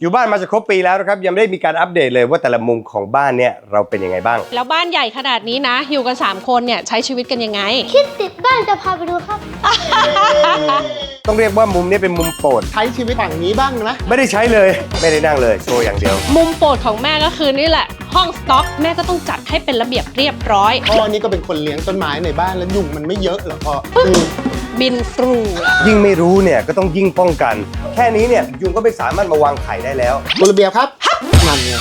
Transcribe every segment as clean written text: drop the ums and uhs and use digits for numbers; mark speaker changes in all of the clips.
Speaker 1: อยู่บ้านมาจะครบปีแล้วนะครับยังไม่ได้มีการอัปเดตเลยว่าแต่ละมุมของบ้านเนี่ยเราเป็นยังไงบ้าง
Speaker 2: แล้วบ้านใหญ่ขนาดนี้นะอยู่กัน3คนเนี่ยใช้ชีวิตกันยังไง
Speaker 3: คิดติดบ้านจะพาไปดูครับ
Speaker 1: ต้องเรียกว่ามุมนี้เป็นมุมโปรด
Speaker 4: ใช้ชีวิตฝั่งนี้บ้างนะ
Speaker 1: ไม่ได้ใช้เลยไม่ได้นั่งเลยโชว์อย่างเดียว
Speaker 2: มุมโปรดของแม่ก็คือนี่แหละห้องสต็อกแม่ก็ต้องจัดให้เป็นระเบียบเรียบร้อย
Speaker 4: พ่อนี่ก็เป็นคนเลี้ยงต้นไม้ในบ้านแล้วยุงมันไม่เยอะเหรอพ่อ
Speaker 2: บินฟรู
Speaker 1: ยิ่งไม่รู้เนี่ยก็ต้องยิ่งป้องกันแค่นี้เนี่ยยุงก็ไม่สามารถมาวางไข่ได้แล้ว
Speaker 4: กฎระเบียบครับนั่นไง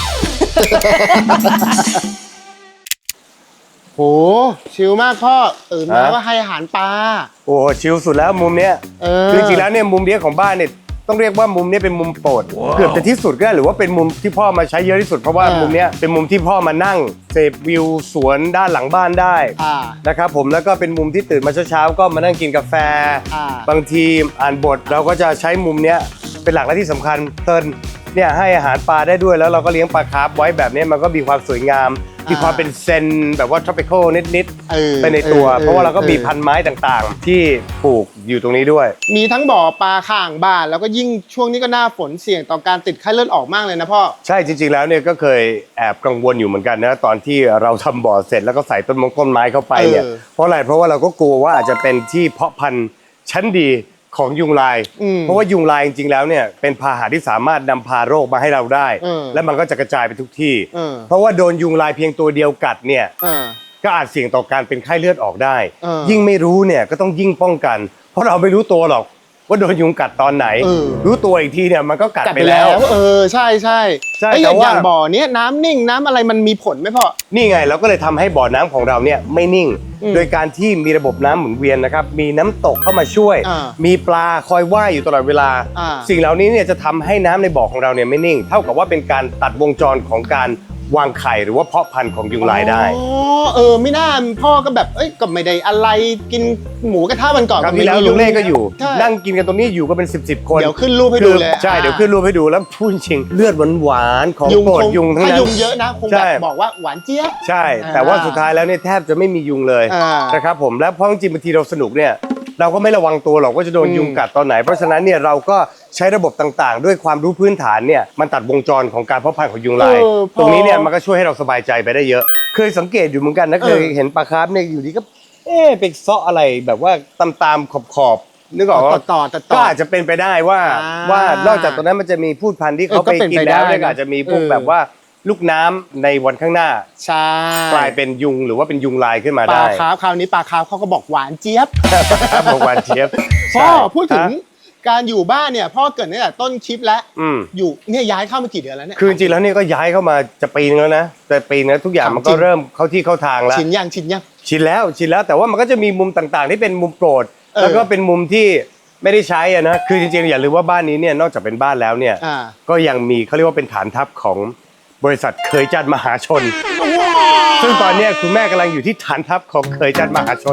Speaker 4: โหชิลมากพ่อตื่นมาว่าให้อาหารปลา
Speaker 1: โอ้ชิลสุดแล้วมุมเนี้ยคือจริงๆแล้วเนี่ยมุมเนี้ยของบ้านเนี่ยต้องเรียกว่ามุมนี้เป็นมุมโปรดเกือบจะที่สุดก็ได้หรือว่าเป็นมุมที่พ่อมาใช้เยอะที่สุดเพราะว่ามุมนี้เป็นมุมที่พ่อมานั่งเสพวิวสวนด้านหลังบ้านได้นะครับผมแล้วก็เป็นมุมที่ตื่นมาเช้าๆก็มานั่งกินกาแฟบางทีอ่านบทเราก็จะใช้มุมนี้เป็นหลักและที่สำคัญเติร์นเนี่ยให้อาหารปลาได้ด้วยแล้วเราก็เลี้ยงปลาคาร์ฟไว้แบบนี้มันก็มีความสวยงามมีความเป็นเซนแบบว่า tropical นิดๆไปในตัวเพราะว่าเราก็มีพันไม้ต่างๆที่ปลูกอยู่ตรงนี้ด้วย
Speaker 4: มีทั้งบ่อปลาข้างบ้านแล้วก็ยิ่งช่วงนี้ก็หน้าฝนเสี่ยงต่อการติดไข้เลือดออกมากเลยนะพ่อ
Speaker 1: ใช่จริงๆแล้วเนี่ยก็เคยแอบกังวลอยู่เหมือนกันนะตอนที่เราทำบ่อเสร็จแล้วก็ใส่ต้นไม้เข้าไปเนี่ยเพราะอะไรเพราะว่าเราก็กลัวว่าอาจจะเป็นที่เพาะพันธุ์ชั้นดีของยุงลายเพราะว่ายุงลายจริงๆแล้วเนี่ยเป็นพาหะที่สามารถนำพาโรคมาให้เราได้และมันก็จะกระจายไปทุกที่เพราะว่าโดนยุงลายเพียงตัวเดียวกัดเนี่ยก็อาจเสี่ยงต่อการเป็นไข้เลือดออกได้ยิ่งไม่รู้เนี่ยก็ต้องยิ่งป้องกันเพราะเราไม่รู้ตัวหรอกว่าโดนยุงกัดตอนไหนรู้ตัวอีกทีเนี่ยมันก็กัดไปแล้ว
Speaker 4: ใช่ใช่แต่ว่าบ่อเนี้ยน้ำนิ่งน้ำอะไรมันมีผลไหมพ่อ
Speaker 1: นี่ไงเราก็เลยทำให้บ่อน้ำของเราเนี่ยไม่นิ่งโดยการที่มีระบบน้ำหมุนเวียนนะครับมีน้ำตกเข้ามาช่วยมีปลาคอยว่ายอยู่ตลอดเวลาสิ่งเหล่านี้เนี่ยจะทำให้น้ำในบ่อของเราเนี่ยไม่นิ่งเท่ากับว่าเป็นการตัดวงจรของการวางไข่หรือว่าเพาะพันธุ์ของยุงลายได้
Speaker 4: ไม่น่าพ่อก็แบบก็ไม่ได้อะไรกินหมูกระทะวันก่อน
Speaker 1: ก็มีแล้วลุงเล่ก็อยู่นั่งกินกันตรงนี้อยู่ก็เป็น10คน
Speaker 4: เดี๋ยวขึ้นรูปให้ดูเลย
Speaker 1: ใช่เดี๋ยวขึ้นรูปให้ดูแล้วพูดจริงเลือดหวานของโปรดยุงทั้งนั้น
Speaker 4: ถ้ายุงเยอะนะคงแบบบอกว่าหวานเจี๊ยบ
Speaker 1: ใช่แต่ว่าสุดท้ายแล้วเนี่ยแทบจะไม่มียุงเลยนะครับผมแล้วเพราะจริงบางทีเราสนุกเนี่ยเราก็ไม่ระวังตัวหรอกว่าจะโดนยุงกัดตอนไหนเพราะฉะนั้นเนี่ยเราก็ใช้ระบบต่างๆด้วยความรู้พื้นฐานเนี่ยมันตัดวงจรของการเพาะพันธุ์ของยุงลายตรงนี้เนี่ยมันก็ช่วยให้เราสบายใจไปได้เยอะเคยสังเกตอยู่เหมือนกันนะเคยเห็นปลาคาร์ฟเนี่ยอยู่ดีก็ไปเซาะอะไรแบบว่าตามขอบนึกออกว่าก็อาจจะเป็นไปได้ว่านอกจากตรงนั้นมันจะมีพืชพันธุ์ที่เขาไปกินแล้วเนี่ยอาจจะมีพวกแบบว่าลูกน้ำในวันข้างหน้ากลายเป็นยุงหรือว่าเป็นยุงลายขึ้นมาได้
Speaker 4: ปลาคาร์ฟคราวนี้ปลาคาร์ฟเขาก็บอกหวานเจี๊ยบ
Speaker 1: บอกหวานเจี๊ยบ
Speaker 4: พ่อพูดถึงการอยู่บ้านเนี่ยพ่อเกิดตั้งแต่ต้นคลิปแล้วอยู่เนี่ยย้ายเข้ามากี่เดือนแล้วเนี่ย
Speaker 1: คือจริงๆแล้วเนี่ยก็ย้ายเข้ามาจะปีนึงแล้วนะแต่ปีนี้ทุกอย่างมันก็เริ่มเข้าที่เข้าทางแล้ว
Speaker 4: ชิน
Speaker 1: แล้วแต่ว่ามันก็จะมีมุมต่างๆที่เป็นมุมโปรดแล้วก็เป็นมุมที่ไม่ได้ใช้นะคือจริงๆอย่าลืมว่าบ้านนี้เนี่ยนอกจากเป็นบ้านแล้วเนี่ยก็ยังมีเขาเรียกว่าเป็นฐานทัพของบริษัทเคยจัดมหาชนซึ่งตอนนี้คุณแม่กำลังอยู่ที่ฐานทัพของเคยจัดมหาชน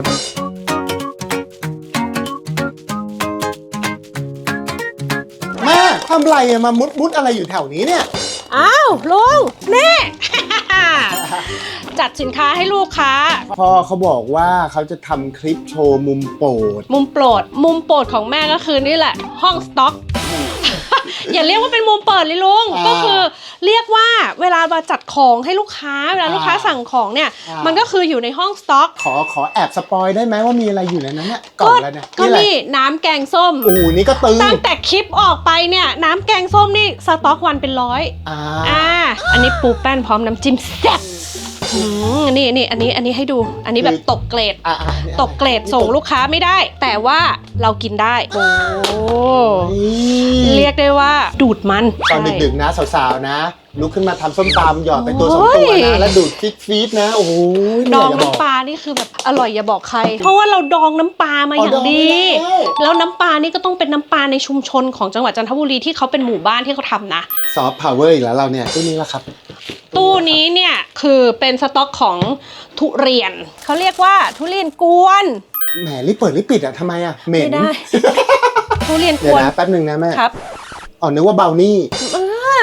Speaker 4: แม่ทำไรมามุดอะไรอยู่แถวนี้เนี่ย
Speaker 2: อ้าวลุงนี่ จัดสินค้าให้ลูกค้า
Speaker 4: พ่อเขาบอกว่าเขาจะทำคลิปโชว์มุมโปรด
Speaker 2: มุมโปรดของแม่ก็คือนี่แหละห้องสต็อก อย่าเรียกว่าเป็นมุมเปิดเลยลุงก็คือเรียกว่าเวลามาจัดของให้ลูกค้าเวลาลูกค้าสั่งของเนี่ยมันก็คืออยู่ในห้องสต็อก
Speaker 4: ขอแอบสปอยได้ไหมว่ามีอะไรอยู่ในนั้นเนี่ยกล่องแล้วเนี่ย
Speaker 2: ก็นี่น้ำแกงส้ม
Speaker 4: นี่ก็ตึง
Speaker 2: ตั้งแต่คลิปออกไปเนี่ยน้ำแกงส้มนี่สต็อกวันเป็น100อันนี้ปูแป้นพร้อมน้ำจิ้มแซ่บนี่อันนี้ให้ดูอันนี้แบบตกเกรดส่งลูกค้าไม่ได้แต่ว่าเรากินได้โอ้เรียกได้ว่าดูดมัน
Speaker 4: ตอนดึกๆนะสาวๆนะลุกขึ้นมาทำส้มตำหยอดไปตัว2ตัวนะแล้วดูดฟีดนะโอ้โห
Speaker 2: ดองน้ำปลานี่คือแบบอร่อยอย่าบอกใครเพราะว่าเราดองน้ำปลามาอย่างดีแล้วน้ำปลานี่ก็ต้องเป็นน้ำปลาในชุมชนของจังหวัดจันทบุรีที่เขาเป็นหมู่บ้านที่เขาทำนะ
Speaker 4: ซอฟต์พาวเวอร์อีกแล้วเราเนี่ยตู้นี้ละครับ
Speaker 2: ตู้นี้เนี่ยคือเป็นสต็อกของทุเรียนเขาเรียกว่าทุเรียนกวน
Speaker 4: แหมรีบเปิดรีบปิดอะทำไมอะเหม็น
Speaker 2: ไม่ได้ทุเรียนก
Speaker 4: วนเดี๋ยวนะแป๊บนึงนะแม่
Speaker 2: ครับ
Speaker 4: นึกว่าเบานี่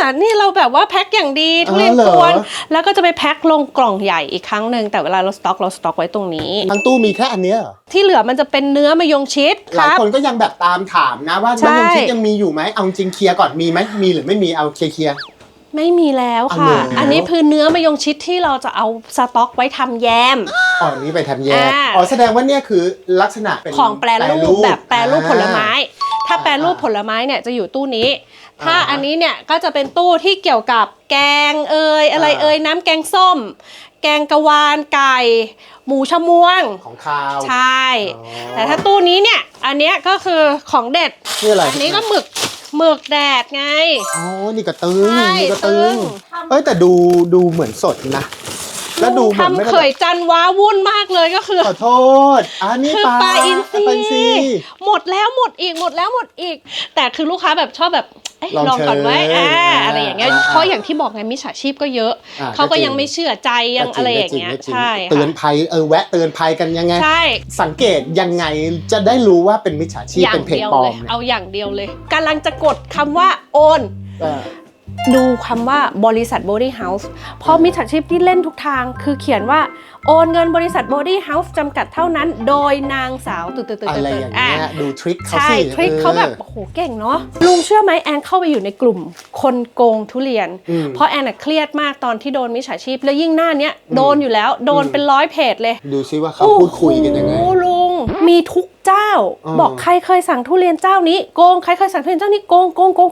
Speaker 2: นี่เราแบบว่าแพ็คอย่างดีทุเรียนกวนแล้วก็จะไปแพ็คลงกล่องใหญ่อีกครั้งหนึ่งแต่เวลาเราสต็อกไว้ตรงนี้
Speaker 4: ทั้งตู้มีแค่อันเนี้ยเหรอ
Speaker 2: ที่เหลือมันจะเป็นเนื้อมะยงชิดค
Speaker 4: หลาย
Speaker 2: รับ
Speaker 4: คนก็ยังแบบตามถามนะว่า
Speaker 2: ใช่
Speaker 4: มะยงชิดยังมีอยู่ไหมเอาจริงเคลียร์ก่อนมีไหมมีหรือไม่มีเอาเคลียร์
Speaker 2: ไม่มีแล้วค่ะ
Speaker 4: เอาแล้ว
Speaker 2: อันนี้คือเนื้อมะยงชิดที่เราจะเอาสต็อกไว้ทำแยม
Speaker 4: อ๋อนี่ไปทำแยก
Speaker 2: อ่า
Speaker 4: อ๋อแสดงว่าเนี่ยคือลักษณะเป็น
Speaker 2: ของแปรรูปแบบแปรรูปผลไม้ ถ้า
Speaker 4: อ่า
Speaker 2: แปรรูปผลไม้เนี่ยจะอยู่ตู้นี้ ถ้าอันนี้เนี่ยก็จะเป็นตู้ที่เกี่ยวกับแกงอะไรน้ำแกงส้ม แกงกะวานไก่ หมูชะมวง
Speaker 4: ของคาว
Speaker 2: ใช่
Speaker 4: อ๋อ
Speaker 2: แต่ถ้าตู้นี้เนี่ยอันเนี้ยก็คือของเด็ด
Speaker 4: นี่อะไร
Speaker 2: อันนี้ก็หมึกแดดไง
Speaker 4: อ๋อนี่ก็ตึง
Speaker 2: ใช่
Speaker 4: นี่ก็ตึ
Speaker 2: ตึ
Speaker 4: ง
Speaker 2: ง
Speaker 4: เอ้ยแต่ดูเหมือนสดนะ แล้วดูเหมือนไม่
Speaker 2: ทำ
Speaker 4: ได้
Speaker 2: เขยจันว้าวุ่นมากเลยก็คือ
Speaker 4: ขอโทษนี่
Speaker 2: คือปลาอินทรี
Speaker 4: ปลาอินทรี
Speaker 2: หมดแล้วหมดอีกหมดแล้วหมดอีก แต่คือลูกค้าแบบชอบแบบเอ๊ะ
Speaker 4: ลอง
Speaker 2: ลองก่อนไว้
Speaker 4: เชิญ
Speaker 2: อะไรอย่างเงี้ยเพราะอย่างที่บอกไงมิจฉาชีพก็เยอะ เขาก็ยังไม่เชื่อใจยังอะไรอย่างเงี้ย
Speaker 4: ก็จริ
Speaker 2: ใช่
Speaker 4: เตือน
Speaker 2: ค่ะ
Speaker 4: ภัยแวะเตือนภัยกันยังไง
Speaker 2: ใช่
Speaker 4: สังเกตยังไงจะได้รู้ว่าเป็นมิจฉาชีพ
Speaker 2: อย่า
Speaker 4: เป็
Speaker 2: ง
Speaker 4: นเพจ
Speaker 2: เดียว
Speaker 4: ปลอ
Speaker 2: เล
Speaker 4: ม
Speaker 2: ย
Speaker 4: เนี่ย
Speaker 2: เอาอย่างเดียวเลยกำลังจะกดคำว่าโอน
Speaker 4: เออ
Speaker 2: ดูคำว่าบริษัท Body House เพราะมิจฉาชีพที่เล่นทุกทางคือเขียนว่าโอนเงินบริษัท Body House จำกัดเท่านั้นโดยนางสาวตื่น
Speaker 4: อะไรอย่างเงี้ยดูทริคเขา
Speaker 2: ใช่
Speaker 4: สิ
Speaker 2: ทริคเขาแบบโอ้โหเก่งเนาะลุงเชื่อไหมแอนเข้าไปอยู่ในกลุ่มคนโกงทุเรียน เพราะแอนเครียดมากตอนที่โดนมิจฉาชีพแล้วยิ่งหน้าเนี้ยโดนอยู่แล้วโดนเป็น100เพจเลย
Speaker 4: ดูซิว่าเขาพูดคุยกันยังไง
Speaker 2: โอ้โหลุงมีทุกเจ้า บอกใครเคยสั่งทุเรียนเจ้านี้โกงใครเคยสั่งทุเรียนเจ้านี้โกง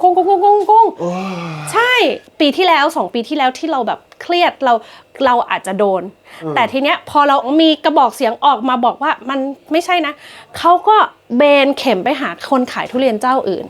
Speaker 2: ใช่ปีที่แล้ว2 ปีที่แล้วที่เราแบบเครียดเราอาจจะโดน แต่ทีเนี้ยพอเรามีกระบอกเสียงออกมาบอกว่ามันไม่ใช่นะเขาก็เบนเข็มไปหาคนขายทุเรียนเจ้าอื่น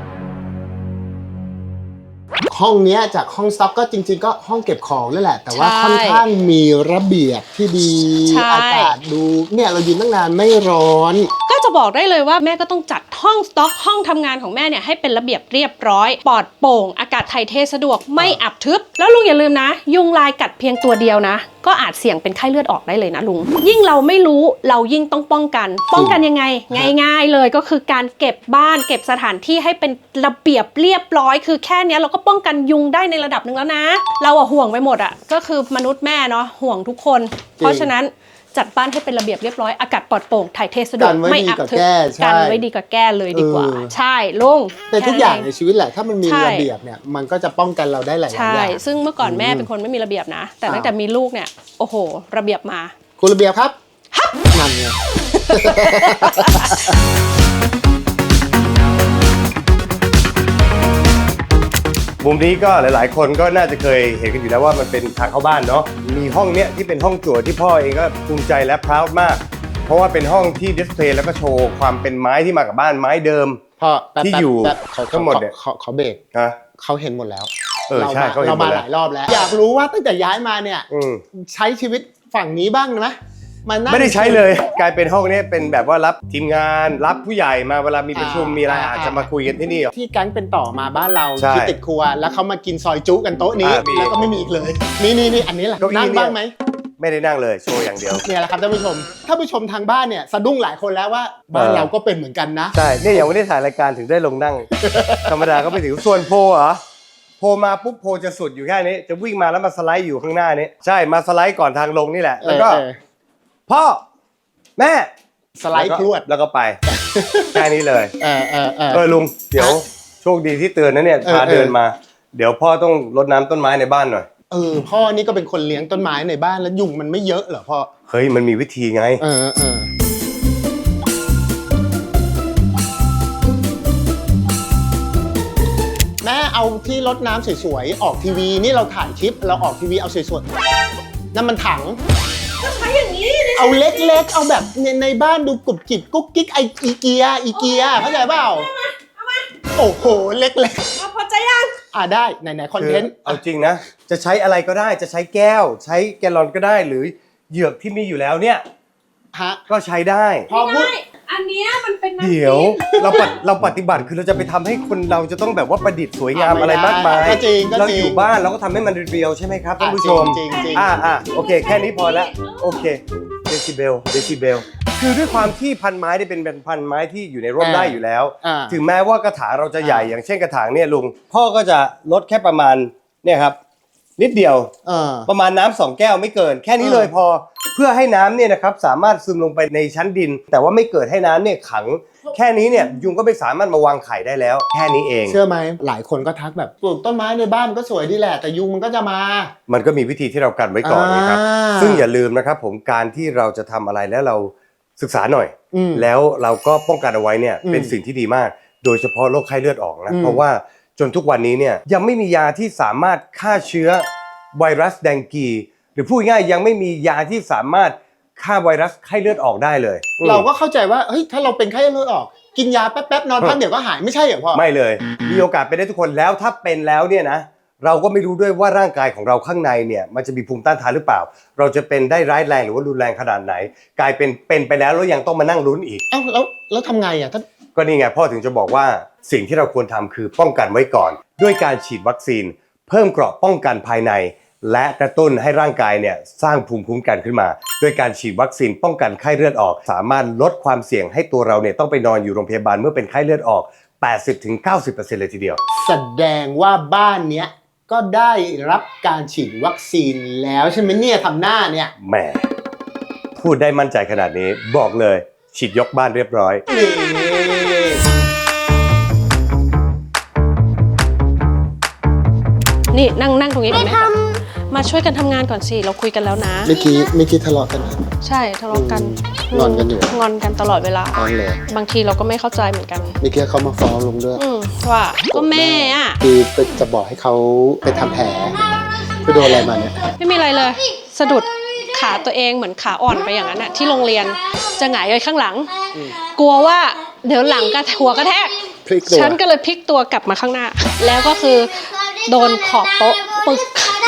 Speaker 4: ห้องเนี้ยจากห้องสต็อกก็จริงๆ ก็ห้องเก็บของนั่นแหละ แต่ว่า
Speaker 2: ใช่
Speaker 4: ค่อนข้างมีระเบียบที่ดี
Speaker 2: ใช่
Speaker 4: อากาศดูเนี่ยเรายืนตั้งนานไม่ร้อน
Speaker 2: ก็จะบอกได้เลยว่าแม่ก็ต้องจัดห้องสต็อกห้องทำงานของแม่เนี่ยให้เป็นระเบียบเรียบร้อยปลอดโปร่งอากาศถ่ายเทสะดวกไม่อับทึบแล้วลุงอย่าลืมนะ ยุงลายกัดเพียงตัวเดียวนะก็อาจเสี่ยงเป็นไข้เลือดออกได้เลยนะลุงยิ่งเราไม่รู้เรายิ่งต้องป้องกันยังไงง่ายๆเลยก็คือการเก็บบ้านเก็บสถานที่ให้เป็นระเบียบเรียบร้อยคือแค่เนี้ยเราก็ป้องกันยุงได้ในระดับหนึ่งแล้วนะเราอะห่วงไปหมดอะก็คือมนุษย์แม่เนาะห่วงทุกคน เพราะฉะนั้นจัดบ้านให้เป็นระเบียบเรียบร้อยอากาศปลอดโปร่งถ่ายเทสะดวกไม่อับทึบกันไว้ดีกว่าแก้เลยดีกว่าใช่ลุง
Speaker 4: แต่ทุกอย่างในชีวิตแหละถ้ามันมี
Speaker 2: ใช่
Speaker 4: ระเบียบเนี่ยมันก็จะป้องกันเราได้หลายๆอ
Speaker 2: ใช่
Speaker 4: ย่าง
Speaker 2: ซึ่งเมื่อก่อนแม่เป็นคนไม่มีระเบียบนะ แต่ตั้งแต่มีลูกเนี่ยโอ้โหระเบียบมา
Speaker 4: คุณระเบียบครับนั่นไง
Speaker 1: มุมนี้ก็หลายๆ คนก็น่าจะเคยเห็นกันอยู่แล้วว่ามันเป็นทางเข้าบ้านเนาะมีห้องเนี้ยที่เป็นห้องจั่วที่พ่อเองก็ภูมิใจและพราวมาก เพราะว่าเป็นห้องที่ดิสเพลย์แล้วก็โชว์ความเป็นไม้ที่มากับบ้านไม้เดิม
Speaker 4: พ่อแป๊บ
Speaker 1: ที่อยู่
Speaker 4: แป๊บ
Speaker 1: ทั้งหมดเนี่ย
Speaker 4: ขอเบรก
Speaker 1: นะ
Speaker 4: เขาเห็นหมดแล้ว
Speaker 1: ใช่เขาเห็น
Speaker 4: เรา
Speaker 1: หม
Speaker 4: มา
Speaker 1: ด
Speaker 4: ห
Speaker 1: แล้ว
Speaker 4: ลายรอบแล้ว อยากรู้ว่าตั้งแต่ย้ายมาเนี่ย ใช้ชีวิตฝั่งนี้บ้างไหมมานั่ง
Speaker 1: ไม่ได้ใช้เลยกลายเป็นห้องนี้เป็นแบบว่ารับทีมงานรับผู้ใหญ่มาเวลามีประชุมมีอะไรอาจจะมาคุยกันที่นี่
Speaker 4: ที่แก๊งเป็นต่อมาบ้านเรา
Speaker 1: ใช่
Speaker 4: ที่ติดครัว แล้วเขามากินซอยจุกันโต๊ะนี้
Speaker 1: มี
Speaker 4: แล้วก็ไม่มีอีกเลย นี่อันนี้แหละ
Speaker 1: เก้าอี้
Speaker 4: นั่ง
Speaker 1: เนี่ย
Speaker 4: บ้างไหม
Speaker 1: ไม่ได้นั่งเลยโชว์อย่างเดียว
Speaker 4: เนี่ยแหละครับท่านผู้ชมถ้าผู้ชมทางบ้านเนี่ยสะดุ้งหลายคนแล้วว่าบ้านเราก็เป็นเหมือนกันนะ
Speaker 1: ใช่เนี่ยอย่างวันนี้ถ่ายรายการถึงได้ลงนั่ง ธรรมดาก็ไปถึงส่วนโพลเหรอโพลมาปุ๊บโพลจะสุดอยู่แค่นี้จะวิ่งมาแล้วมาสไลด์อยู่ข้างหน้านี้ใช่มาสไลด์ก่อนทางลงนี่แหละแล้วก็พ่อแม่
Speaker 4: สไลด์พรวด
Speaker 1: แล้วก็ไป แค่นี้เลย ลุงเดี๋ยวโชคดีที่เตือนนะเนี่ยพาเดินมา เดี๋ยวพ่อต้องรดน้ำต้นไม้ในบ้านหน่อย
Speaker 4: พ่อนี่ก็เป็นคนเลี้ยงต้นไม้ในบ้านแล้วยุงมันไม่เยอะเหรอพ่อ
Speaker 1: เฮ้ยมันมีวิธีไง
Speaker 4: แม่เอาที่รดน้ำสวยๆออกทีวีนี่เราถ่ายคลิปเราออกทีวีเอาสวยๆนั่นมันถัง
Speaker 2: ก็ใช้อย่างนี้เลย
Speaker 4: เอาเล็กๆ เอาแบบในบ้านดูกรุบกริบกุ๊กกิ๊กอีเกียเข้าใจเปล่าโอ้โหเล็ก
Speaker 2: พอใจยัง
Speaker 4: ๆได้ไหนคอนเทนต์
Speaker 1: เอาจริงนะ จะใช้อะไรก็ได้จะใช้แก้ว ใช้แกลลอนก็ได้หรือเหยือกที่มีอยู่แล้วเนี่ย
Speaker 4: ฮะ
Speaker 1: ก็ใช้ได้
Speaker 4: พอพูด
Speaker 2: อันเนี้ยมันเป็นน้ำ
Speaker 1: เดี๋ยวเราปฏิบัติคือเราจะไปทำให้คนเราจะต้องแบบว่าประดิษฐ์สวยงามอะไรมากมาย
Speaker 4: ก็จริง
Speaker 1: เราอยู่บ้านเราก็ทำให้มันเรียวๆใช่ไหมครับท่านผู้ชม
Speaker 4: จริง
Speaker 1: โอเคแค่นี้พอแล้วโอเคเดซิเบลคือด้วยความที่พันไม้ได้เป็นพันไม้ที่อยู่ในร่มได้อยู่แล้ว ถึงแม้ว่ากระถางเราจะใหญ่อย่างเช่นกระถางเนี่ยลุงพ่อก็จะลดแค่ประมาณเนี่ยครับนิดเดียวประมาณน้ำ2 แก้วไม่เกินแค่นี้เลยพอเพื่อให้น้ำเนี่ยนะครับสามารถซึมลงไปในชั้นดิน แต่ว่าไม่เกิดให้น้ำเนี่ยขังแค่นี้เนี่ยยุงก็ไม่สามารถมาวางไข่ได้แล้วแค่นี้เอง
Speaker 4: เชื่อไหมหลายคนก็ทักแบบปลูกต้นไม้ในบ้านก็สวยดีแหละแต่ยุงมันก็จะมา
Speaker 1: มันก็มีวิธีที่เรากันไว้ก่อนนะครับซึ่งอย่าลืมนะครับผมการที่เราจะทำอะไรแล้วเราศึกษาหน่อยแล้วเราก็ป้องกันเอาไว้เนี่ยเป็นสิ่งที่ดีมากโดยเฉพาะโรคไข้เลือดออกนะเพราะว่าจนทุกวันนี้เนี่ยยังไม่มียาที่สามารถฆ่าเชื้อไวรัสแดงกีหรือพูดง่ายยังไม่มียาที่สามารถฆ่าไวรัสไข้เลือดออกได้เลย
Speaker 4: เราก็เข้าใจว่าเฮ้ยถ้าเราเป็นไข้เลือดออกกินยาแป๊บๆนอนพักเดี๋ยวก็หายไม่ใช่เหรอพ่อ
Speaker 1: ไม่เลยมีโอกาสเป็นได้ทุกคนแล้วถ้าเป็นแล้วเนี่ยนะเราก็ไม่รู้ด้วยว่าร่างกายของเราข้างในเนี่ยมันจะมีภูมิต้านทานหรือเปล่าเราจะเป็นได้ร้ายแรงหรือว่ารุนแรงขนาดไหนกลายเป็นไปแล้วยังต้องมานั่งลุ้นอีก
Speaker 4: แล้วทำไงอ่ะท่าน
Speaker 1: ก็นี่ไงพ่อถึงจะบอกว่าสิ่งที่เราควรทำคือป้องกันไว้ก่อนด้วยการฉีดวัคซีนเพิ่มเกราะป้องกันภายในและกระตุ้นให้ร่างกายเนี่ยสร้างภูมิคุ้มกันขึ้นมาด้วยการฉีดวัคซีนป้องกันไข้เลือดออกสามารถลดความเสี่ยงให้ตัวเราเนี่ยต้องไปนอนอยู่โรงพยาบาลเมื่อเป็นไข้เลือดออก 80-90% เลยทีเดียว
Speaker 4: แสดงว่าบ้านเนี้ยก็ได้รับการฉีดวัคซีนแล้วใช่ไหมเนี่ยทำหน้าเนี่ย
Speaker 1: แหมพูดได้มั่นใจขนาดนี้บอกเลยฉีดยกบ้านเรียบร้อย
Speaker 2: นี่นั่งตรงนี้ก่อนไหมมาช่วยกันทำงานก่อนสิเราคุยกันแล้วนะ
Speaker 4: เมื่อกี้ทะเลาะกัน
Speaker 2: ใช่ทะเลาะกัน
Speaker 4: งอนกันอยู่
Speaker 2: งอนกันตลอดเวลาบางทีเราก็ไม่เข้าใจเหมือนกัน
Speaker 4: เมื่อกี้เขามาฟ้องลงด้วย
Speaker 2: ว่าก็แม่อ่ะ
Speaker 4: คือจะบอกให้เขาไปทำแผลไปโดนอะไรมาเนี่ย
Speaker 2: ไม่มีอะไรเลยสะดุดขาตัวเองเหมือนขาอ่อนไปอย่างนั้นน่ะที่โรงเรียนจะหงายไปข้างหลังกลัวว่าเดี๋ยวหลังกระหัวกระแทกฉันก็เลยพลิกตัวกลับมาข้างหน้าแล้วก็คือโดนขอบโต๊ะปึก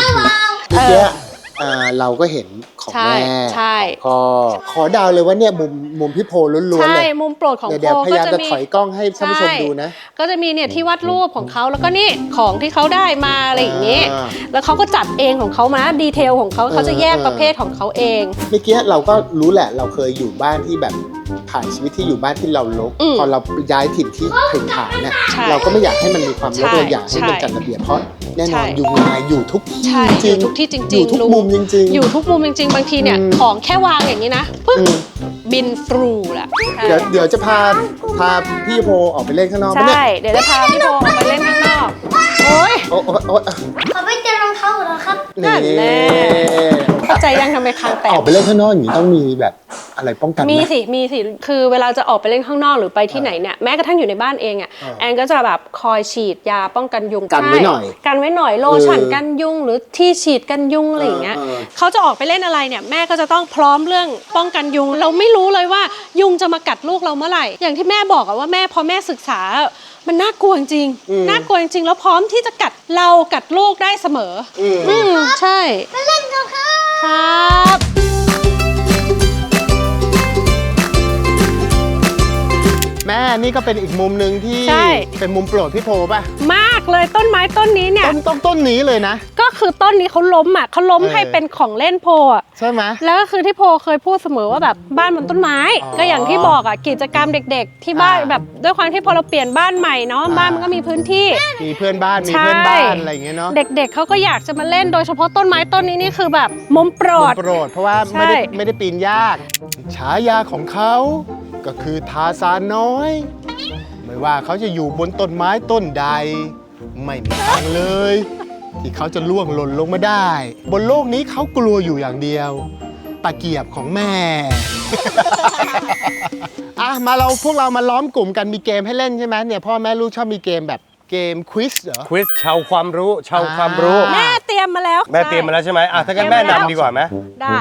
Speaker 4: เราก็เห็นของแม่
Speaker 2: ใช่
Speaker 4: พอขอดาวเลยว่าเนี่ยมุมพี่โพล้วนๆเลย
Speaker 2: ใช่มุมโปรดของโพ
Speaker 4: เดี๋ยวพยายามจะถอยกล้องให้ท่านผู้ชมดูนะ
Speaker 2: ก็จะมีเนี่ยที่วาดรูปของเขาแล้วก็นี่ของที่เขาได้มาอะไรอย่างเงี้ยแล้วเขาก็จัดเองของเขามาดีเทลของเขาจะแยกประเภทของเขาเอง
Speaker 4: เมื่อกี้เราก็รู้แหละเราเคยอยู่บ้านที่แบบผ่านชีวิตที่อยู่บ้านที่เรารกพอเราย้ายถิ่นที่ถิ่นฐานเนี่ยเราก็ไม่อยากให้มันมีความรกเราอยากให้มันจัดระเบียบเพราะแน่นอนยุงลายอยู่ทุกที่จริง
Speaker 2: อยู่ทุกที่จริง
Speaker 4: อยู่ทุกมุมจริง
Speaker 2: ๆอยู่ทุกมุมจริงๆบางทีเนี่ยของแค่วางอย่างนี้นะปึ๊บบินฟลูแหละ
Speaker 4: เดี๋ยวจะพาพี่โพออกไปเล่นข้างนอก
Speaker 2: ใช่เดี๋ยวจะพาพี่โพออกไปเล่นข้างนอกโอ๊ย
Speaker 3: ขอไปเจอรองเท้าเหรอครับ
Speaker 2: นั่นแน่เข้าใจยังทำไมคางแตก
Speaker 4: ออกไปเล่นข้างนอกอย่างนี้ต้องมีแบบอะไรป้องกัน
Speaker 2: มีสิคือเวลาจะออกไปเล่นข้างนอกหรือไปที่ไหนเนี่ยแม้กระทั่งอยู่ในบ้านเองอ่ะแอนก็จะแบบคอยฉีดยาป้องกันยุง
Speaker 4: กันไว้หน่อย
Speaker 2: โลชั่นกันยุงหรือที่ฉีดกันยุงอะไรอย่างเงี้ยเขาจะออกไปเล่นอะไรเนี่ยแม่ก็จะต้องพร้อมเรื่องป้องกันยุงเราไม่รู้เลยว่ายุงจะมากัดลูกเราเมื่อไหร่อย่างที่แม่บอกอะว่าแม่พอแม่ศึกษามันน่ากลัวจริงน่ากลัวจริงแล้วพร้อมที่จะกัดเรากัดลูกได้เสมอใช่
Speaker 3: ไปเล่นกัน
Speaker 2: ครับ
Speaker 4: แม่นี่ก็เป็นอีกมุมหนึ่งที่เป็นมุมโปรดพี่โพป่ะ
Speaker 2: มากเลยต้นไม้ต้นนี้เนี่ย
Speaker 4: ต้นนี้เลยนะ
Speaker 2: ก็คือต้นนี้เขาล้มให้เป็นของเล่นโพ
Speaker 4: ใช่ไหม
Speaker 2: แล้วก็คือที่โพเคยพูดเสมอว่าแบบบ้านบนต้นไม้ก็อย่างที่บอกอ่ะกิจกรรมเด็กๆที่บ้านแบบด้วยความที่พอเราเปลี่ยนบ้านใหม่เนาะบ้านมันก็มีพื้นที่
Speaker 4: มีเพื่อนบ้านอะไรอย่างเงี้ยเนาะ
Speaker 2: เด็กๆเขาก็อยากจะมาเล่นโดยเฉพาะต้นไม้ต้นนี้นี่คือแบบมุมโปรด
Speaker 4: เพราะว่าไม่ได้ปีนยากฉายาของเขาก็คือทาซานน้อยไม่ว่าเขาจะอยู่บนต้นไม้ต้นใดไม่มีทางเลยที่เขาจะล่วงหล่นลงมาได้บนโลกนี้เขากลัวอยู่อย่างเดียวตะเกียบของแม่ พวกเรามาล้อมกลุ่มกันมีเกมให้เล่นใช่ไหมเนี่ยพ่อแม่ลูกชอบมีเกมแบบเกมควิซเหรอ
Speaker 1: ควิซชาวความรู้
Speaker 2: แม่เตรียมมาแล้ว
Speaker 1: แม่เตรียมมาแล้วใช่ไหมถ้างั้นแม่นำดีกว่าไหม
Speaker 2: ได้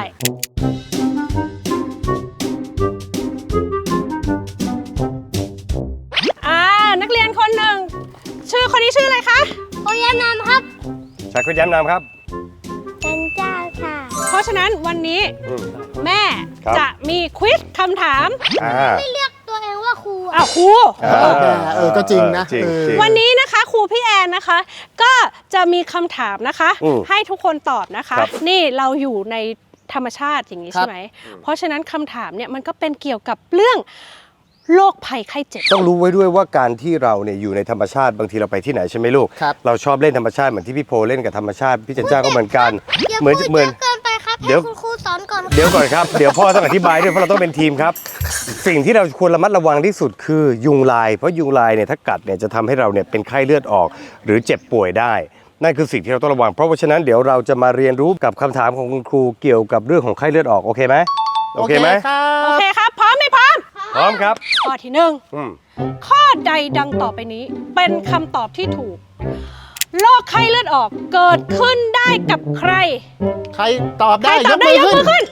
Speaker 2: นักเรียนคนหนึ่งคนนี้ชื่ออะไรคะ
Speaker 3: โอย้ำนามครับ
Speaker 1: ใช่คุณย้ำนามครับ
Speaker 3: เป็นเจ้าค่ะ
Speaker 2: เพราะฉะนั้นวันนี้แม่จะมีควิซคำถาม
Speaker 3: ไม่เรียกตัวเองว่าครู
Speaker 2: ครู
Speaker 4: ก็จริงนะ
Speaker 2: วันนี้นะคะครูพี่แอนนะคะก็จะมีคำถามนะคะให้ทุกคนตอบนะคะนี่เราอยู่ในธรรมชาติอย่างนี้ใช่ไหมเพราะฉะนั้นคำถามเนี่ยมันก็เป็นเกี่ยวกับเรื่องโรคภัยไข้เจ็บ
Speaker 1: ต้องรู้ไว้ด้วยว่าการที่เราเนี่ยอยู่ในธรรมชาติบางทีเราไปที่ไหนใช่ไหมลูก
Speaker 4: ครับ
Speaker 1: เราชอบเล่นธรรมชาติเหมือนที่พี่โพเล่นกับธรรมชาติพี่จันจ้าก็เหมือนกัน
Speaker 3: อย่า
Speaker 1: เหมือน
Speaker 3: พูด
Speaker 1: เหมื
Speaker 3: เย
Speaker 1: อน
Speaker 3: อะเกินไปครับ
Speaker 1: เดี๋
Speaker 3: ให้
Speaker 1: ยว
Speaker 3: คุณครูสอนก่อน
Speaker 1: เดี๋ยวก่อนครับ เดี๋ยวพ่อต้องอธิบายด้วยเพราะเราต้องเป็นทีมครับ สิ่งที่เราควรระมัดระวังที่สุดคือยุงลาย เพราะยุงลายเนี่ยถ้ากัดเนี่ยจะทำให้เราเนี่ยเป็นไข้เลือดออก หรือเจ็บป่วยได้ นั่นคือสิ่งที่เราต้องระวัง เพราะฉะนั้นเดี๋ยวเราจะมาเรียนรู้กับคำถามของคุณครูเกี่ยวกับเรื่องของไข้เลือดออกโอเคไหมโอเคไหม
Speaker 4: ครั
Speaker 2: โอบ เคครับ พร้อมไหมพร้อม
Speaker 1: พร้อมครับ
Speaker 2: ข้อที่หนึ่ง
Speaker 1: อืม
Speaker 2: ข้อใดดังต่อไปนี้เป็นคำตอบที่ถูกโรคไข้เลือดออกเกิดขึ้นได้กับใคร
Speaker 4: ใครตอบ
Speaker 2: ใคร
Speaker 4: ได้
Speaker 2: ตอบได้ยกมือขึ้น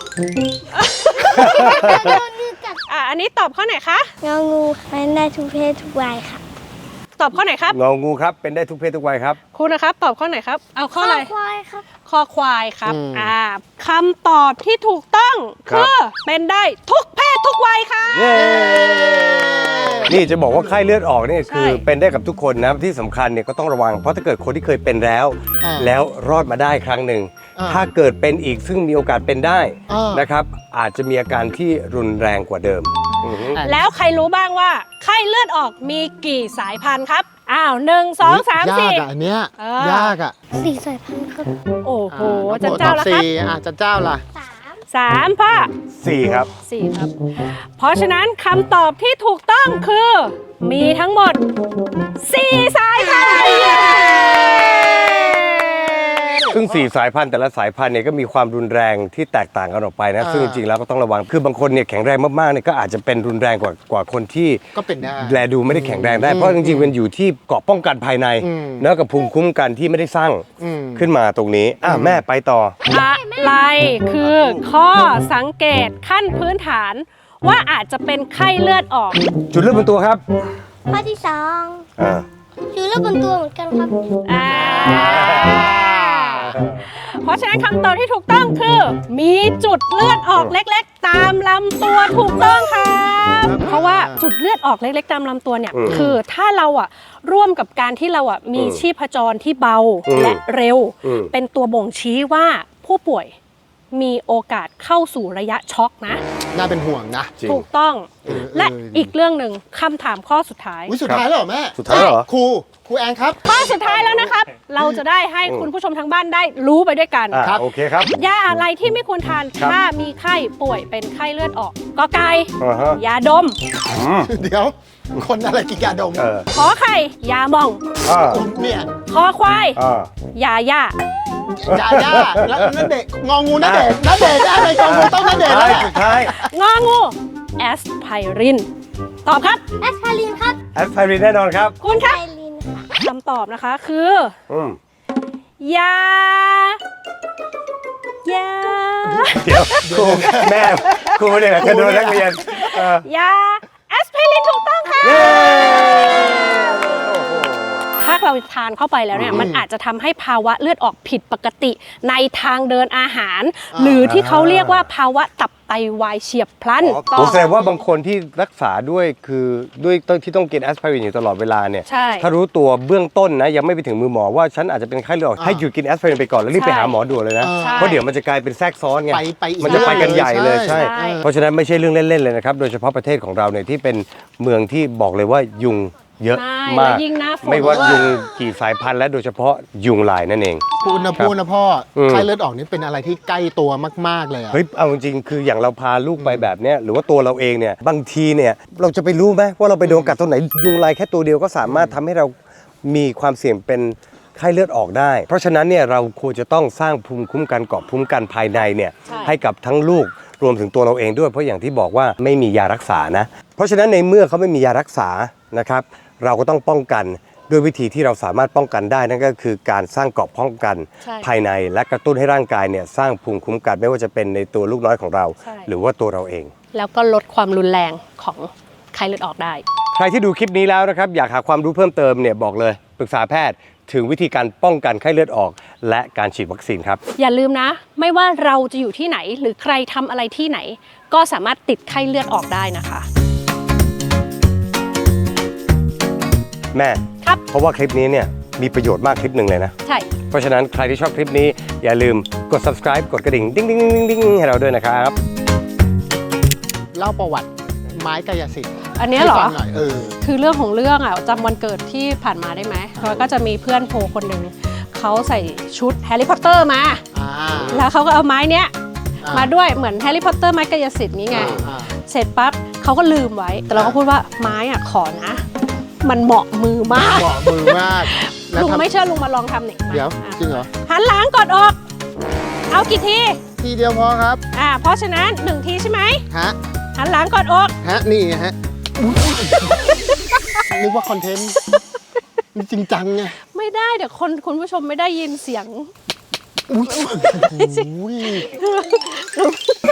Speaker 3: โดนยืดกัด
Speaker 2: อันนี้ตอบข้อไหนคะ
Speaker 3: งองูเป็นได้ทุกเพศทุกวัยค่ะ
Speaker 2: ตอบข้อไหนครับ
Speaker 1: งองูครับเป็นได้ทุกเพศทุกวัยครับ
Speaker 2: คุณนะครับตอบข้อไหนครับ เอาข้ออะไร
Speaker 3: ควายครับ
Speaker 2: คอควายครับคำตอบที่ถูกต้อง
Speaker 1: ครับ
Speaker 2: คือเป็นได้ทุกเพศทุกวัยค่ะ
Speaker 1: เย้นี่จะบอกว่าไข้เลือดออกเนี่ยคือ
Speaker 2: ใช่
Speaker 1: เป็นได้กับทุกคนนะที่สำคัญเนี่ยก็ต้องระวังเพราะถ้าเกิดคนที่เคยเป็นแล้ว
Speaker 4: อ่า
Speaker 1: แล้วรอดมาได้ครั้งหนึ่ง
Speaker 4: อ่า
Speaker 1: ถ้าเกิดเป็นอีกซึ่งมีโอกาสเป็นได้
Speaker 4: อ่าน
Speaker 1: นะครับอาจจะมีอาการที่รุนแรงกว่าเดิมอือฮึ
Speaker 2: แล้วใครรู้บ้างว่าไข้เลือดออกมีกี่สายพันธุ์ครับ 1 2 3
Speaker 4: ยากอ่ะอันเนี้ย
Speaker 2: เออ
Speaker 4: ยากอ่ะ
Speaker 3: 4 สายพันธุ์ครับ
Speaker 2: 4 โอ้โห
Speaker 4: น้อง
Speaker 2: จัน
Speaker 4: โบ
Speaker 2: เจ้า
Speaker 4: ตอบ
Speaker 2: แล้วครับ
Speaker 4: สี่จันเจ้าล่ะ
Speaker 2: 3 พ่อ
Speaker 1: 4 ครับ
Speaker 2: 4 ครับ เพราะฉะนั้นคำตอบที่ถูกต้องคือ มีทั้งหมด 4 สายพันธุ์
Speaker 1: ซึ่ง 4 สายพันธุ์แต่ละสายพันธุ์เนี่ยก็มีความรุนแรงที่แตกต่างกันออกไปนะ
Speaker 4: อ่า
Speaker 1: ซึ่งจริงๆแล้วก็ต้องระวังคือบางคนเนี่ยแข็งแรงมากๆเนี่ยก็อาจจะเป็นรุนแรงกว่าคนที่
Speaker 4: ก็เป็นได้
Speaker 1: แลดูไม่ได้แข็งแรงได้ เพราะจริงๆ มันอยู่ที่เกราะป้องกันภายใน
Speaker 4: อืม
Speaker 1: แล้วกับภูมิคุ้มกันที่ไม่ได้สร้าง
Speaker 4: อืม
Speaker 1: ขึ้นมาตรงนี้แม่ไปต่อ
Speaker 2: อะไรคือข้อสังเกตขั้นพื้นฐาน ว่าอาจจะเป็นไข้เลือดออก
Speaker 1: จุดเริ่มบนตัวครับ
Speaker 3: ข้อที่
Speaker 1: อ่า
Speaker 3: 2อยู่รอบบนตัวเหมือนกันครับ
Speaker 2: เพราะฉะนั้นคำตอบที่ถูกต้องคือ มีจุดเลือดออกเล็กๆ ตามลำตัวถูกต้องครับเพราะว่าจุดเลือดออกเล็กๆ ตามลำตัวเนี่ยคือถ้าเราร่วมกับการที่เรามีชีพจรที่เบาและเร็ว เป็นตัวบ่งชี้ว่าผู้ป่วยมีโอกาสเข้าสู่ระยะช็อกนะ
Speaker 4: น่าเป็นห่วงนะ
Speaker 1: จริง
Speaker 2: ถูกต้อง และ
Speaker 4: ดี
Speaker 2: อีกเรื่องหนึ่งคำถามข้อสุดท้าย
Speaker 4: อุ๊ยสุดท้ายแล้วเหรอแม่
Speaker 1: สุดท้ายแล้วเหรอ
Speaker 4: ครูแอนครับ
Speaker 2: ข้อสุดท้ายแล้วนะครับ เราจะได้ให้คุณผู้ชมทางบ้านได้รู้ไปด้วยกัน
Speaker 4: ครับ
Speaker 1: โอเคครับ
Speaker 2: ยาอะไรที่ไม่ควรทาน
Speaker 1: ครับ
Speaker 2: ถ้ามีไข้ป่วยเป็นไข้เลือดออกกอไก่
Speaker 1: อ่าฮะ
Speaker 2: ยาดม
Speaker 4: เดี๋ยว คนอะไรกินยาดม
Speaker 1: เออ
Speaker 2: ขอไข่ยาหมอง
Speaker 1: อ่า
Speaker 4: เนี่ย
Speaker 2: คอควาย
Speaker 1: อ่าย
Speaker 2: าย่าย
Speaker 4: าแล้วนั่นเด็กงองูนั่นเด็กอะไรงองูต้องนั่นเด็ก
Speaker 1: ท้า
Speaker 4: แล้ว
Speaker 1: ย
Speaker 4: แหละ
Speaker 1: สุดท้าย
Speaker 2: งองูแอสไพรินตอบครับ
Speaker 3: แอสไพรินครับ
Speaker 1: แอสไพรินแน่นอนครับ
Speaker 2: คุณครับ
Speaker 3: ไพรินค่ะ
Speaker 2: คำตอบนะคะคือ
Speaker 1: อืม
Speaker 2: ยา
Speaker 1: เดี๋ยวครูแม่ครูเนี่ยจะโดนนักเรียนเออย
Speaker 2: าแอสไพรินถูกต้องค่ะ
Speaker 1: เย้
Speaker 2: ถ้าเราทานเข้าไปแล้วเนี่ยมันอาจจะทำให้ภาวะเลือดออกผิดปกติในทางเดินอาหาร หรือที่เขาเรียกว่าภาวะตับไตวายเฉียบพลัน
Speaker 1: โอ้แสดงว่าบางคนที่รักษาด้วยคือด้วยที่ต้องกินแอสไพรินอยู่ตลอดเวลาเนี่ย
Speaker 2: ใช่
Speaker 1: ถ้ารู้ตัวเบื้องต้นนะยังไม่ไปถึงมือหมอว่าฉันอาจจะเป็นไข้เลือดออกให้หยุดกินแอสไพรินไปก่อนแล้วรีบไปหาหมอด่วนเลยนะ
Speaker 2: ใช่
Speaker 1: เพราะเดี๋ยวมันจะกลายเป็นแทรกซ้อนไง
Speaker 4: ไปอีก
Speaker 1: มันจะไปกันใหญ่เลยใช่
Speaker 2: ใช่
Speaker 1: เพราะฉะนั้นไม่ใช่เรื่องเล่นๆเลยนะครับโดยเฉพาะประเทศของเราเนี่ยที่เป็นเมืองที่บอกเลยว่ายุงเยอะ
Speaker 2: ใช่
Speaker 1: มาก
Speaker 2: แล้วยิ่งหน้าฝน
Speaker 1: ไม่ว่า
Speaker 2: ด้วย
Speaker 1: ยุงกี่สายพันธุ์และโดยเฉพาะยุงลายนั่นเอง
Speaker 4: พูดนะพ่อ
Speaker 1: อืม
Speaker 4: ไข้เลือดออกนี่เป็นอะไรที่ใกล้ตัวมากๆเลยอะ
Speaker 1: เฮ้ยเอาจริงๆคืออย่างเราพาลูกไปแบบเนี้ยหรือว่าตัวเราเองเนี่ยบางทีเนี่ยเราจะไปรู้ไหมว่าเราไปโดนกัดตัวไหนยุงลายแค่ตัวเดียวก็สามารถทำให้เรามีความเสี่ยงเป็นไข้เลือดออกได้ เพราะฉะนั้นเนี่ยเราควรจะต้องสร้างภูมิคุ้มกันเกราะภูมิคุ้มกันภายในเนี่ย
Speaker 2: ใช่
Speaker 1: ให้กับทั้งลูกรวมถึงตัวเราเองด้วยเพราะอย่างที่บอกว่าไม่มียารักษานะเพราะฉะนั้นในเมื่อเขาไม่มียารักษานะครับเราก็ต้องป้องกันด้วยวิธีที่เราสามารถป้องกันได้นั่นก็คือการสร้างเกราะป้องกัน
Speaker 2: ใช่
Speaker 1: ภายในและกระตุ้นให้ร่างกายเนี่ยสร้างภูมิคุ้มกันไม่ว่าจะเป็นในตัวลูกน้อยของเรา
Speaker 2: ใช่
Speaker 1: หรือว่าตัวเราเอง
Speaker 2: แล้วก็ลดความรุนแรงของไข้เลือดออกได้
Speaker 1: ใครที่ดูคลิปนี้แล้วนะครับอยากหาความรู้เพิ่มเติมเนี่ยบอกเลยปรึกษาแพทย์ถึงวิธีการป้องกันไข้เลือดออก และการฉีดวัคซีนครับ
Speaker 2: อย่าลืมนะ ไม่ว่าเราจะอยู่ที่ไหน หรือใครทำอะไรที่ไหน ก็สามารถติดไข้เลือดออกได้นะคะ
Speaker 1: แม่
Speaker 2: ครับ
Speaker 1: เพราะว่าคลิปนี้เนี่ยมีประโยชน์มากคลิปหนึ่งเลยนะ
Speaker 2: ใช่
Speaker 1: เพราะฉะนั้นใครที่ชอบคลิปนี้อย่าลืมกด subscribe กดกระดิ่งดิ้งดิ้งดิ้งดิ้งให้เราด้วยนะครับ
Speaker 4: เล่าประวัติไม้กายสิทธิ์
Speaker 2: อันเนี้ยเหรอ
Speaker 4: ให้ฟังน่อย
Speaker 2: คือเรื่องของเรื่องอ่ะจำวันเกิดที่ผ่านมาได้ไหมแล้วก็จะมีเพื่อนโพคนหนึ่งเขาใส่ชุดแฮร์รี่พอตเตอร์มา
Speaker 4: อ่า
Speaker 2: แล้วเขาก็เอาไม้เนี้ย
Speaker 4: อ่าม
Speaker 2: มาด้วยเหมือนแฮร์รี่พอตเตอร์ไม้กายสิทธิ์นี้ไง
Speaker 4: อ่า
Speaker 2: เสร็จปั๊บเขาก็ลืมไว้ แต่เราก็พูดว่าไม้อ่ะขอนะ มันเหมาะมือมาก
Speaker 4: เหมาะมือมากแล้ว
Speaker 2: ลุง
Speaker 4: ทำ
Speaker 2: ไม่เชื่อลุงมาลองทำหนิ
Speaker 4: เดี๋ยว
Speaker 2: อ่ะ
Speaker 4: จริงเหรอ
Speaker 2: หันหลังกดออก เอากี่ที
Speaker 4: ทีเดียวพอครับ
Speaker 2: เพราะฉะนั้น1ทีใช่ไหม
Speaker 4: ฮะ
Speaker 2: หันหลังกดออก
Speaker 4: นี่ฮะนึกว่าคอนเทนต์นี่จริงจังไง
Speaker 2: ไม่ได้เดี๋ยวคุณผู้ชมไม่ได้ยินเสียง
Speaker 4: อุ้ย